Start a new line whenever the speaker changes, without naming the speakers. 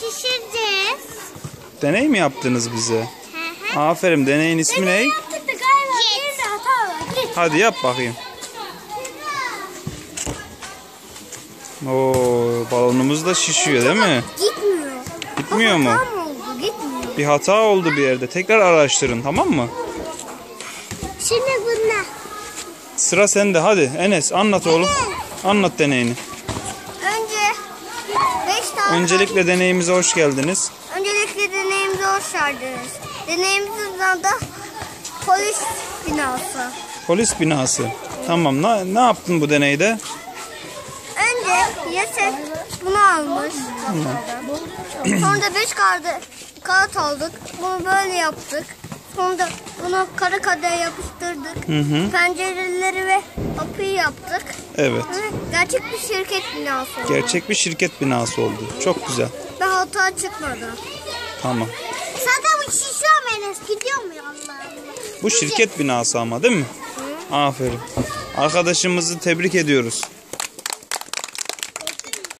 şişireceğiz.
Deney mi yaptınız bize? Aferin, deneyin ismi ne? Hadi yap bakayım. Oo, balonumuz da şişiyor değil mi?
Gitmiyor.
Gitmiyor mu?
Hata mı oldu? Gitmiyor.
Bir hata oldu bir yerde. Tekrar araştırın, tamam mı?
Şimdi bunlar.
Sıra sende, hadi Enes anlat oğlum. Anlat deneyini.
Önce 5 tane.
Öncelikle deneyimize hoş geldiniz.
Öncelikle deneyimize hoş geldiniz. Deneyimizin adı polis binası.
Polis binası. Tamam, ne yaptın bu deneyde?
Önce Yasef bunu almış. Sonra da 5 kağıt aldık. Bunu böyle yaptık. Sonra da bunu kara kadeye yapıştırdık. Pencereleri ve kapıyı yaptık.
Evet.
Gerçek bir şirket binası oldu.
Gerçek bir şirket binası oldu. Çok güzel.
Ve hata çıkmadı.
Tamam.
Zaten bu şişiyor Enes. Gidiyor mu Allah?
Bu şirket binası ama değil mi? Aferin. Arkadaşımızı tebrik ediyoruz.